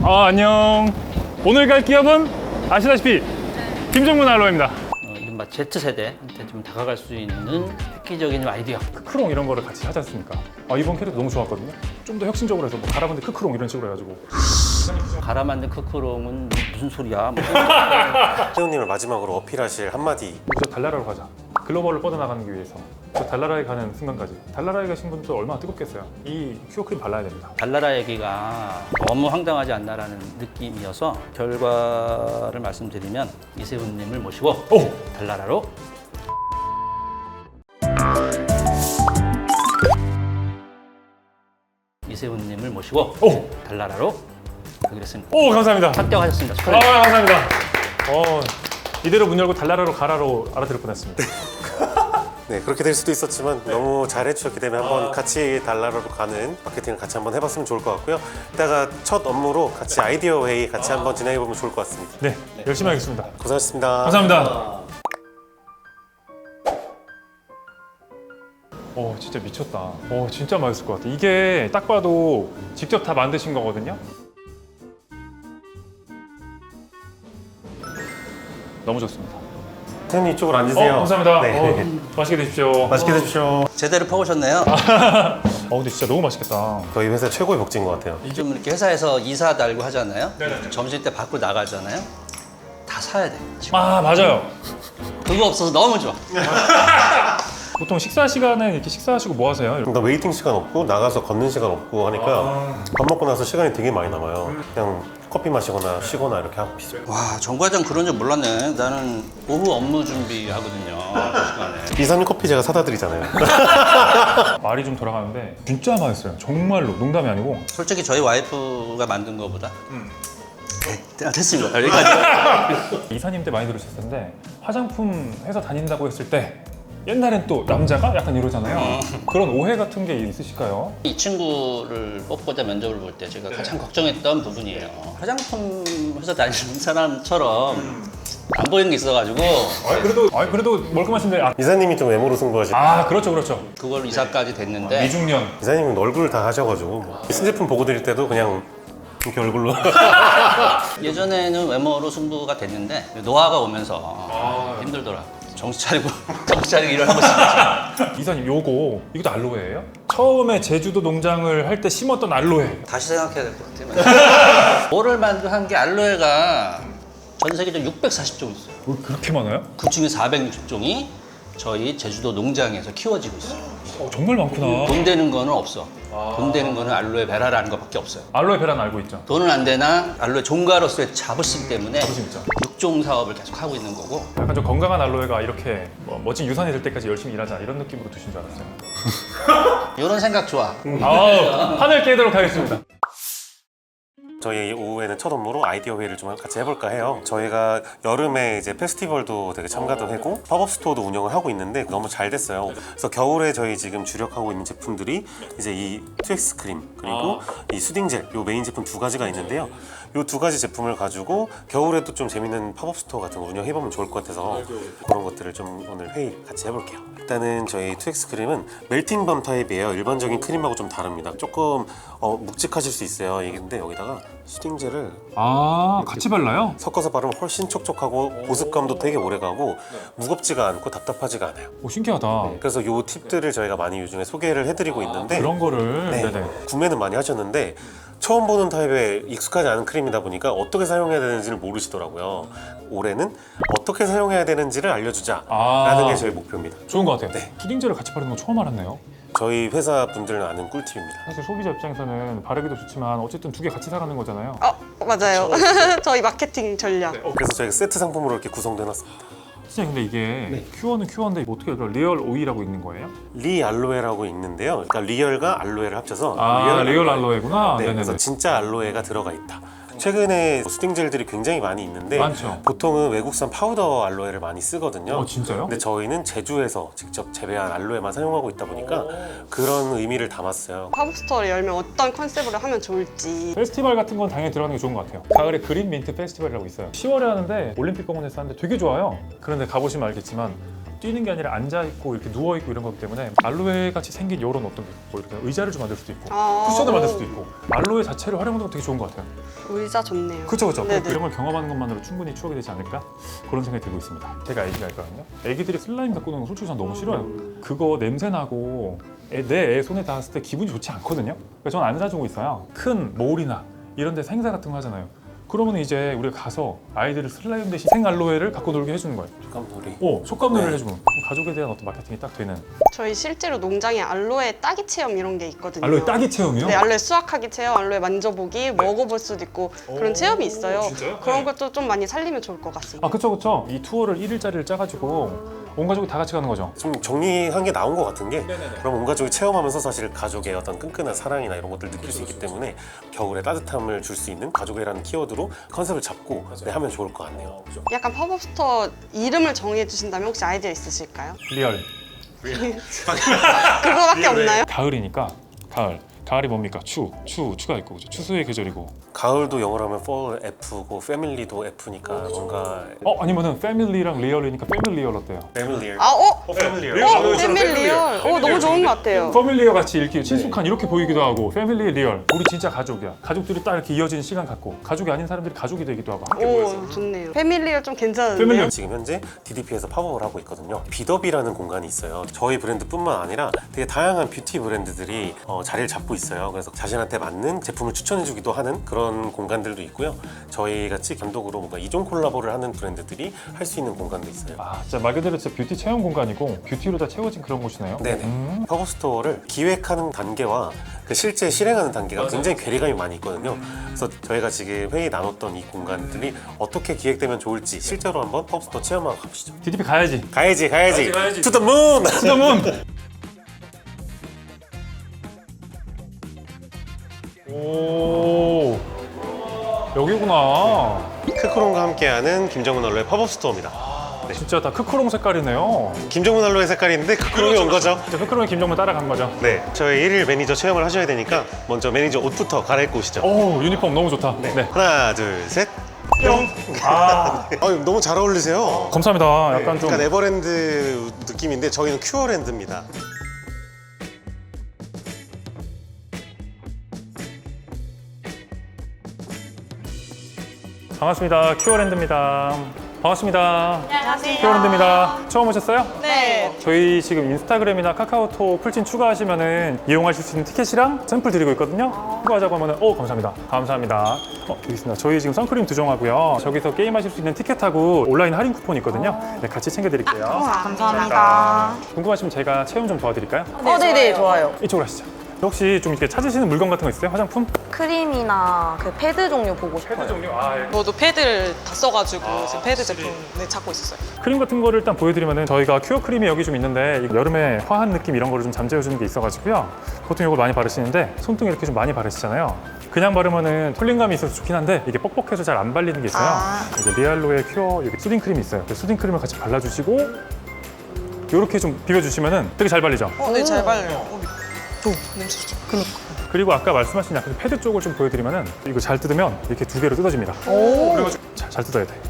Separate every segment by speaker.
Speaker 1: 안녕. 오늘 갈 기업은 아시다시피 김정문 알로에입니다.
Speaker 2: 이른바 Z세대한테 좀 다가갈 수 있는 획기적인 아이디어.
Speaker 1: 크크롱 이런 거를 같이 하지 않습니까? 이번 캐릭터 너무 좋았거든요. 좀 더 혁신적으로 해서 뭐 가라반드 크크롱 이런 식으로 해가지고
Speaker 2: 갈아 만든 크크롱은 무슨 소리야?
Speaker 3: 태훈님을 마지막으로 어필하실 한마디.
Speaker 1: 우리 저 달나라로 가자. 글로벌을 뻗어나가기 위해서 저 달나라에 가는 순간까지 달나라에 계신 분들 얼마나 뜨겁겠어요. 이 큐어 크림 발라야 됩니다.
Speaker 2: 달나라 얘기가 너무 황당하지 않나라는 느낌이어서 결과를 말씀드리면 이세훈님을 모시고
Speaker 1: 오!
Speaker 2: 달나라로 이세훈님을 모시고
Speaker 1: 오!
Speaker 2: 달나라로 가기로 했습니다.
Speaker 1: 오, 감사합니다.
Speaker 2: 합격하셨습니다. 축하드립니다.
Speaker 1: 감사합니다. 이대로 문 열고 달나라로 가라로 알아들을 뻔했습니다.
Speaker 3: 네, 그렇게 될 수도 있었지만 너무 잘해주셨기 때문에 한번 같이 달나라로 가는 마케팅을 같이 한번 해봤으면 좋을 것 같고요. 이따가 첫 업무로 같이 아이디어 회의 같이 한번 진행해보면 좋을 것 같습니다.
Speaker 1: 네, 열심히 하겠습니다.
Speaker 3: 고생하셨습니다.
Speaker 1: 감사합니다. 진짜 미쳤다. 진짜 맛있을 것 같아. 이게 딱 봐도 직접 다 만드신 거거든요. 너무 좋습니다.
Speaker 3: 태훈님 이쪽으로 앉으세요.
Speaker 1: 감사합니다.
Speaker 3: 네.
Speaker 1: 맛있게 드십시오.
Speaker 3: 맛있게 드십시오.
Speaker 2: 제대로 퍼오셨네요.
Speaker 1: 근데 진짜 너무 맛있겠다.
Speaker 3: 저희 회사 최고의 복지인 것 같아요.
Speaker 2: 좀 이렇게 회사에서 이사 달고 하잖아요.
Speaker 1: 네네네.
Speaker 2: 점심 때 밖으로 나가잖아요. 다 사야 돼.
Speaker 1: 맞아요.
Speaker 2: 그거 없어서 너무 좋아.
Speaker 1: 보통 식사 시간에 이렇게 식사하시고 뭐 하세요?
Speaker 3: 그러니까 웨이팅 시간 없고 나가서 걷는 시간 없고 하니까 밥 먹고 나서 시간이 되게 많이 남아요. 그냥 커피 마시거나 쉬거나 이렇게 하고 있어요.
Speaker 2: 와, 정과장 그런 줄 몰랐네. 나는 오후 업무 준비하거든요. 그 시간에.
Speaker 3: 이사님 커피 제가 사다 드리잖아요.
Speaker 1: 말이 좀 돌아가는데 진짜 맛있어요. 정말로 농담이 아니고.
Speaker 2: 솔직히 저희 와이프가 만든 거보다 네, 됐습니다. 여기까지.
Speaker 1: 이사님 때 많이 들으셨을 텐데 화장품 회사 다닌다고 했을 때 옛날엔 또 남자가 약간 이러잖아요. 그런 오해 같은 게 있으실까요?
Speaker 2: 이 친구를 뽑고자 면접을 볼 때 제가 가장 걱정했던 부분이에요. 화장품 회사 다니는 사람처럼 안 보이는 게 있어가지고
Speaker 1: 그래도 멀끔하신데.
Speaker 3: 이사님이 좀 외모로 승부하시고
Speaker 1: 그렇죠.
Speaker 2: 그걸 이사까지 됐는데
Speaker 1: 미중년.
Speaker 3: 이사님은 얼굴 다 하셔가지고 뭐 신제품 보고 드릴 때도 그냥 이렇게 얼굴로
Speaker 2: 예전에는 외모로 승부가 됐는데 노화가 오면서 힘들더라고. 정신 차리고 일을 하고 싶었지.
Speaker 1: 이사님 이것도 알로에예요? 처음에 제주도 농장을 할 때 심었던 알로에.
Speaker 2: 다시 생각해야 될 것 같아요. 뭐를 만든 게 알로에가 전 세계적으로 640종 있어요.
Speaker 1: 뭐 그렇게 많아요?
Speaker 2: 그 중에 460종이 저희 제주도 농장에서 키워지고 있어요.
Speaker 1: 정말 많구나.
Speaker 2: 돈 되는 거는 없어. 돈 되는 거는 알로에 베라라는 것밖에 없어요.
Speaker 1: 알로에 베라는 알고 있죠.
Speaker 2: 돈은 안 되나 알로에 종가로서의 자부심 때문에
Speaker 1: 자부심 있죠.
Speaker 2: 육종 사업을 계속 하고 있는 거고.
Speaker 1: 약간 좀 건강한 알로에가 이렇게 멋진 유산이 될 때까지 열심히 일하자 이런 느낌으로 두신 줄 알았어요.
Speaker 2: 이런 생각 좋아.
Speaker 1: 판을 깨도록 하겠습니다.
Speaker 3: 저희 오후에는 첫 업무로 아이디어 회의를 좀 같이 해볼까 해요. 저희가 여름에 이제 페스티벌도 되게 참가도 하고 팝업 스토어도 운영을 하고 있는데 너무 잘 됐어요. 그래서 겨울에 저희 지금 주력하고 있는 제품들이 이제 이 투엑스 크림 그리고 이 수딩 젤, 요 메인 제품 두 가지가 있는데요. 요 두 가지 제품을 가지고 겨울에도 좀 재밌는 팝업 스토어 같은 거 운영해보면 좋을 것 같아서 그런 것들을 좀 오늘 회의 같이 해볼게요. 일단은 저희 투엑스 크림은 멜팅밤 타입이에요. 일반적인 크림하고 좀 다릅니다. 조금 묵직하실 수 있어요. 근데 여기다가 수딩 젤을
Speaker 1: 같이 발라요?
Speaker 3: 섞어서 바르면 훨씬 촉촉하고 보습감도 되게 오래가고 무겁지가 않고 답답하지가 않아요.
Speaker 1: 신기하다.
Speaker 3: 그래서 요 팁들을 저희가 많이 요즘에 소개를 해드리고 있는데
Speaker 1: 그런 거를.
Speaker 3: 네,
Speaker 1: 네네.
Speaker 3: 구매는 많이 하셨는데 처음 보는 타입에 익숙하지 않은 크림이다 보니까 어떻게 사용해야 되는지를 모르시더라고요. 올해는 어떻게 사용해야 되는지를 알려주자라는 게 저희 목표입니다.
Speaker 1: 좋은 것 같아요.
Speaker 3: 네.
Speaker 1: 수딩젤을 같이 바르는 거 처음 알았네요.
Speaker 3: 저희 회사 분들은 아는 꿀팁입니다.
Speaker 1: 사실 소비자 입장에서는 바르기도 좋지만 어쨌든 두 개 같이 사가는 거잖아요.
Speaker 4: 맞아요. 저희 마케팅 전략.
Speaker 3: 그래서 저희가 세트 상품으로 이렇게 구성돼 놨습니다.
Speaker 1: 진짜 근데 이게 큐어는 큐어인데 뭐 어떻게 리얼 오이라고 있는 거예요?
Speaker 3: 리 알로에라고 있는데요. 그러니까 리얼과 알로에를 합쳐서
Speaker 1: 리얼 알로에구나.
Speaker 3: 네,
Speaker 1: 네네네.
Speaker 3: 그래서 진짜 알로에가 들어가 있다. 최근에 수딩젤들이 굉장히 많이 있는데
Speaker 1: 많죠.
Speaker 3: 보통은 외국산 파우더 알로에를 많이 쓰거든요.
Speaker 1: 진짜요?
Speaker 3: 근데 저희는 제주에서 직접 재배한 알로에만 사용하고 있다 보니까 그런 의미를 담았어요.
Speaker 4: 팝업스토어를 열면 어떤 컨셉으로 하면 좋을지.
Speaker 1: 페스티벌 같은 건 당연히 들어가는 게 좋은 것 같아요. 가을에 그린 민트 페스티벌이라고 있어요. 10월에 하는데 올림픽 공원에서 하는데 되게 좋아요. 그런데 가보시면 알겠지만 뛰는 게 아니라 앉아 있고 이렇게 누워 있고 이런 거기 때문에 알로에 같이 생긴 이런 어떤 뭐 이렇게 의자를 좀 만들 수도 있고 쿠션을 만들 수도 있고 알로에 자체를 활용하는 거 되게 좋은 것 같아요.
Speaker 4: 의자 좋네요.
Speaker 1: 그렇죠, 그렇죠.
Speaker 4: 네네.
Speaker 1: 이런 걸 경험하는 것만으로 충분히 추억이 되지 않을까 그런 생각이 들고 있습니다. 제가 아기가 있거든요. 아기들이 슬라임 갖고 노는 거 솔직히 전 너무 싫어요. 그거 냄새 나고 내 애 손에 닿았을 때 기분이 좋지 않거든요. 그래서 저는 안 사주고 있어요. 큰 몰이나 이런 데서 행사 같은 거 하잖아요. 그러면 이제 우리가 가서 아이들을 슬라임 대신 생알로에를 갖고 놀게 해주는 거예요.
Speaker 3: 촉감놀이.
Speaker 1: 촉감놀이를
Speaker 3: 네.
Speaker 1: 해주면 가족에 대한 어떤 마케팅이 딱 되는.
Speaker 4: 저희 실제로 농장에 알로에 따기 체험 이런 게 있거든요.
Speaker 1: 알로에 따기 체험이요?
Speaker 4: 네, 알로에 수확하기 체험, 알로에 만져보기, 먹어볼 수도 있고 그런 체험이 있어요.
Speaker 1: 진짜요?
Speaker 4: 그런
Speaker 1: 네.
Speaker 4: 것도 좀 많이 살리면 좋을 것 같습니다.
Speaker 1: 아, 그쵸, 그쵸. 이 투어를 1일짜리를 짜가지고 온 가족이 다 같이 가는 거죠.
Speaker 3: 좀 정리한 게 나온 것 같은 게 그럼 온 가족이 체험하면서 사실 가족의 어떤 끈끈한 사랑이나 이런 것들 느낄 수 있기 때문에 겨울에 따뜻함을 줄 수 있는 가족이라는 키워드로 컨셉을 잡고 네, 하면 좋을 것 같네요.
Speaker 4: 약간 팝업 스토어 이름을 정해 주신다면 혹시 아이디어 있으실까요?
Speaker 1: 리얼.
Speaker 4: 그거밖에 없나요?
Speaker 1: 가을이니까 가을. 가을이 뭡니까? 추가 있고 그죠? 추수의 계절이고.
Speaker 3: 가을도 영어로 하면 fall F고 패밀리도 F니까 뭔가
Speaker 1: 아니면은 패밀리랑 리얼이니까 패밀리얼 어때요?
Speaker 3: 패밀리얼.
Speaker 4: 패밀리얼. 너무 좋은 것 같아요.
Speaker 1: 패밀리어 같이 이렇게 친숙한 이렇게 보이기도 하고 패밀리 리얼. 우리 진짜 가족이야. 가족들이 딱 이렇게 이어지는 시간 갖고 가족이 아닌 사람들이 가족이 되기도 하고 함께 모여서.
Speaker 4: 오, 좋네요. 패밀리얼 좀 괜찮은데요?
Speaker 1: 패밀리얼.
Speaker 3: 지금 현재 DDP에서 팝업을 하고 있거든요. 비더비라는 공간이 있어요. 저희 브랜드뿐만 아니라 되게 다양한 뷰티 브랜드들이 자리를 잡고 있어요. 그래서 자신한테 맞는 제품을 추천해주기도 하는 그런 공간들도 있고요. 저희 같이 단독으로 뭔가 이종 콜라보를 하는 브랜드들이 할 수 있는 공간도 있어요.
Speaker 1: 아, 진짜 말 그대로 진짜 뷰티 체험 공간이고 뷰티로 다 채워진 그런 곳이네요.
Speaker 3: 네네. 팝업 스토어를 기획하는 단계와 그 실제 실행하는 단계가 굉장히 괴리감이 많이 있거든요. 그래서 저희가 지금 회의 나눴던 이 공간들이 어떻게 기획되면 좋을지 실제로 한번 팝업 스토어 체험하고 가보시죠.
Speaker 1: DDP 가야지.
Speaker 3: 가야지.
Speaker 1: 가야지.
Speaker 3: To the moon!
Speaker 1: 수더문. 오, 여기구나.
Speaker 3: 크크롱과 함께하는 김정은 언로의 팝업 스토어입니다.
Speaker 1: 진짜 다 크크롱 색깔이네요.
Speaker 3: 김정은 언로의 색깔인데 크크롱이 온 거죠.
Speaker 1: 진짜 크크롱이 김정문 따라간 거죠.
Speaker 3: 네, 저희 1일 매니저 체험을 하셔야 되니까 먼저 매니저 옷부터 갈아입고 오시죠.
Speaker 1: 오, 유니폼 너무 좋다. 네.
Speaker 3: 하나, 둘, 셋.
Speaker 1: 뿅. 아,
Speaker 3: 너무 잘 어울리세요.
Speaker 1: 감사합니다. 약간 좀
Speaker 3: 약간 에버랜드 느낌인데 저희는 큐어랜드입니다.
Speaker 1: 반갑습니다. 큐어랜드입니다. 반갑습니다.
Speaker 4: 안녕하세요.
Speaker 1: 큐어랜드입니다. 처음 오셨어요?
Speaker 4: 네.
Speaker 1: 저희 지금 인스타그램이나 카카오톡 풀친 추가하시면은 이용하실 수 있는 티켓이랑 샘플 드리고 있거든요. 추가하자고 하면은 감사합니다. 감사합니다. 여기 있습니다. 저희 지금 선크림 2종하고요. 저기서 게임하실 수 있는 티켓하고 온라인 할인 쿠폰이 있거든요. 네, 같이 챙겨드릴게요.
Speaker 5: 감사합니다.
Speaker 1: 궁금하시면 제가 체험 좀 도와드릴까요?
Speaker 5: 네네, 좋아요.
Speaker 1: 이쪽으로 하시죠. 혹시 좀 이렇게 찾으시는 물건 같은 거 있어요? 화장품?
Speaker 5: 크림이나 그 패드 종류 보고 싶어요.
Speaker 1: 종류?
Speaker 6: 저도 패드를 다 써가지고 지금 패드 제품 찾고 있었어요.
Speaker 1: 크림 같은 거를 일단 보여드리면은 저희가 큐어 크림이 여기 좀 있는데 이거 여름에 화한 느낌 이런 거를 좀 잠재워주는 게 있어가지고요. 보통 이걸 많이 바르시는데 손등에 이렇게 좀 많이 바르시잖아요. 그냥 바르면은 쿨링감이 있어서 좋긴 한데 이게 뻑뻑해서 잘 안 발리는 게 있어요. 이제 리알로의 큐어 여기 수딩 크림이 있어요. 그 수딩 크림을 같이 발라주시고 이렇게 좀 비벼주시면은 되게 잘 발리죠.
Speaker 6: 네, 잘 발려요. 냄새 좋죠.
Speaker 1: 그리고 아까 말씀하신 약간 패드 쪽을 좀 보여드리면은 이거 잘 뜯으면 이렇게 두 개로 뜯어집니다. 그래가지고 잘 뜯어야 돼.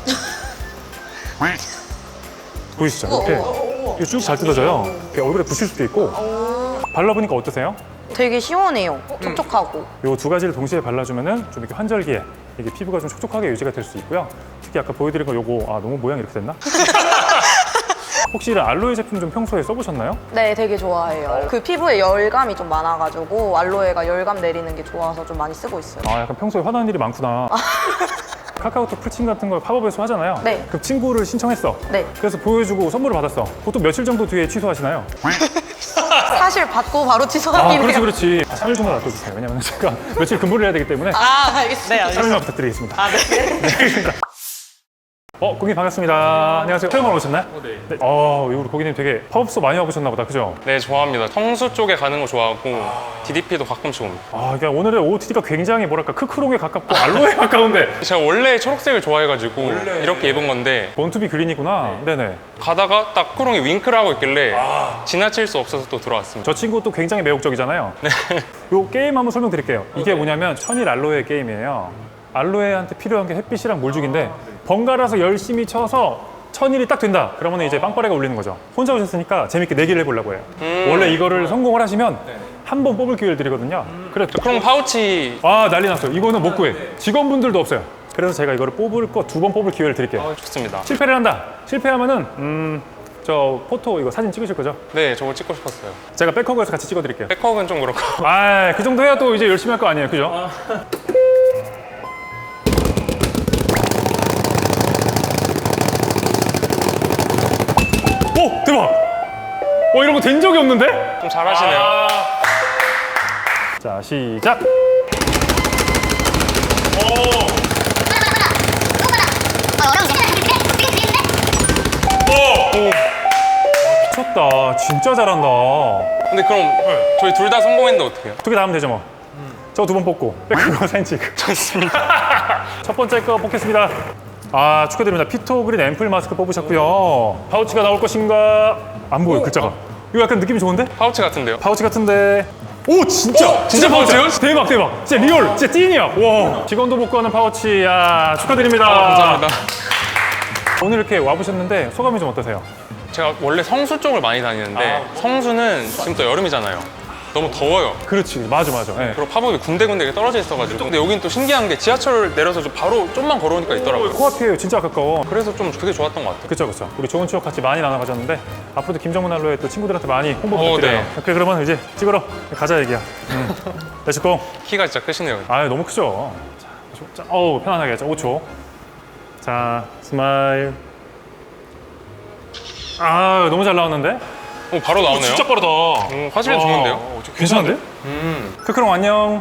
Speaker 1: 보이시죠? 이렇게 쭉 잘 뜯어져요. 이렇게 얼굴에 붙일 수도 있고. 발라보니까 어떠세요?
Speaker 5: 되게 시원해요. 촉촉하고.
Speaker 1: 이 두 가지를 동시에 발라주면은 좀 이렇게 환절기에 이게 피부가 좀 촉촉하게 유지가 될 수 있고요. 특히 아까 보여드린 거 요거 너무 모양이 이렇게 됐나? 혹시 이런 알로에 제품 좀 평소에 써보셨나요?
Speaker 5: 네, 되게 좋아해요. 그 피부에 열감이 좀 많아가지고 알로에가 열감 내리는 게 좋아서 좀 많이 쓰고 있어요.
Speaker 1: 약간 평소에 화나는 일이 많구나. 카카오톡 풀친 같은 걸 팝업에서 하잖아요.
Speaker 5: 네.
Speaker 1: 그럼 친구를 신청했어.
Speaker 5: 네.
Speaker 1: 그래서 보여주고 선물을 받았어. 보통 며칠 정도 뒤에 취소하시나요?
Speaker 5: 사실 받고 바로 취소하긴 해요.
Speaker 1: 그렇지. 3일 정도 놔둬주세요. 왜냐면 제가 며칠 근무를 해야 되기 때문에
Speaker 6: 알겠습니다.
Speaker 1: 3일만 부탁드리겠습니다. 알겠습니다. 고객님 반갑습니다. 안녕하세요. 체험하러 오셨나요?
Speaker 7: 네.
Speaker 1: 우리 고객님 되게 팝업스토어 많이 와보셨나 보다, 그죠?
Speaker 7: 네, 좋아합니다. 성수 쪽에 가는 거 좋아하고 DDP도 가끔씩 옵니다.
Speaker 1: 그러니까 오늘의 OOTD가 굉장히 뭐랄까 크크롱에 가깝고 알로에 가까운데
Speaker 7: 제가 원래 초록색을 좋아해가지고 이렇게 입은 건데
Speaker 1: 원투비 그린이구나. 네네.
Speaker 7: 가다가 딱 크롱이 윙크를 하고 있길래 지나칠 수 없어서 또 들어왔습니다.
Speaker 1: 저 친구 또 굉장히 매혹적이잖아요. 요 게임 한번 설명드릴게요. 이게 뭐냐면 천일 알로에 게임이에요. 알로에한테 필요한 게 햇빛이랑 물주기인데 번갈아서 열심히 쳐서 1000일이 딱 된다. 그러면 이제 빵빠레가 울리는 거죠. 혼자 오셨으니까 재밌게 내기를 해보려고 해요. 원래 이거를 성공을 하시면 한 번 뽑을 기회를 드리거든요. 그래.
Speaker 7: 크롱 파우치
Speaker 1: 아, 난리 났어요. 이거는 못 구해. 직원분들도 없어요. 그래서 제가 이거를 뽑을 거 2번 뽑을 기회를 드릴게요.
Speaker 7: 좋습니다.
Speaker 1: 실패를 한다. 실패하면은 저 포토 이거 사진 찍으실 거죠?
Speaker 7: 네, 저거 찍고 싶었어요.
Speaker 1: 제가 백허그에서 같이 찍어드릴게요.
Speaker 7: 백허그는 좀 그렇고.
Speaker 1: 아, 그 정도 해야 또 이제 열심히 할 거 아니에요, 그죠? 오, 대박! 이런 거 된 적이 없는데?
Speaker 7: 좀 잘하시네요.
Speaker 1: 자, 시작! 미쳤다. 진짜 잘한다.
Speaker 7: 근데 그럼 저희 둘 다 성공했는데 어떻게 해요?
Speaker 1: 2개 다 하면 되죠, 뭐. 저 2번 뽑고, 백허그 사진 찍고.
Speaker 7: 좋습니다.
Speaker 1: 첫 번째 거 뽑겠습니다. 아, 축하드립니다. 피토그린 앰플 마스크 뽑으셨고요. 파우치가 나올 것인가? 안 보여, 글자가. 이거 약간 느낌이 좋은데?
Speaker 7: 파우치 같은데요?
Speaker 1: 파우치 같은데. 오, 진짜!
Speaker 7: 진짜 파우치예요?
Speaker 1: 대박, 대박. 진짜 리얼, 진짜 찐이야. 와. 직원도 못 구하는 파우치. 야, 축하드립니다.
Speaker 7: 감사합니다.
Speaker 1: 오늘 이렇게 와보셨는데 소감이 좀 어떠세요?
Speaker 7: 제가 원래 성수 쪽을 많이 다니는데 성수는 지금 또 여름이잖아요. 너무 더워요.
Speaker 1: 그렇지, 맞아. 예.
Speaker 7: 그리고 팝업이 군데군데 떨어져 있어가지고. 근데 여긴 또 신기한 게 지하철 내려서 좀 바로 좀만 걸어오니까 있더라고요.
Speaker 1: 코앞이에요. 진짜 가까워.
Speaker 7: 그래서 좀 되게 좋았던 것 같아요.
Speaker 1: 그쵸. 우리 좋은 추억 같이 많이 나눠가졌는데 앞으로도 김정문 알로에 또 친구들한테 많이 홍보 부탁드려요.
Speaker 7: 네.
Speaker 1: 오케이, 그러면 이제 찍으러 가자 얘기야. 렛츠고.
Speaker 7: 키가 진짜 크시네요.
Speaker 1: 아, 너무 크죠. 자, 어우, 편안하게. 자, 5초. 자, 스마일. 아, 너무 잘 나왔는데?
Speaker 7: 바로 나오네요.
Speaker 1: 진짜 빠르다.
Speaker 7: 화질이 좋은데요?
Speaker 1: 괜찮은데? 크크롱 안녕.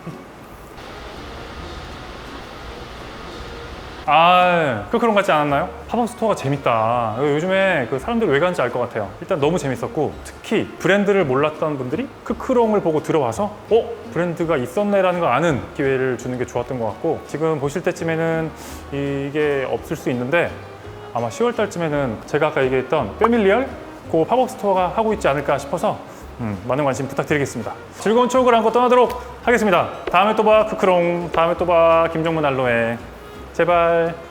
Speaker 1: 아, 크크롱 같지 않았나요? 팝업 스토어가 재밌다. 요즘에 그 사람들 왜 가는지 알 것 같아요. 일단 너무 재밌었고, 특히 브랜드를 몰랐던 분들이 크크롱을 보고 들어와서 브랜드가 있었네라는 걸 아는 기회를 주는 게 좋았던 것 같고, 지금 보실 때쯤에는 이게 없을 수 있는데 아마 10월 달쯤에는 제가 아까 얘기했던 패밀리얼 그 팝업 스토어가 하고 있지 않을까 싶어서 많은 관심 부탁드리겠습니다. 즐거운 추억을 안고 떠나도록 하겠습니다. 다음에 또 봐, 크크롱. 다음에 또 봐, 김정문 알로에. 제발.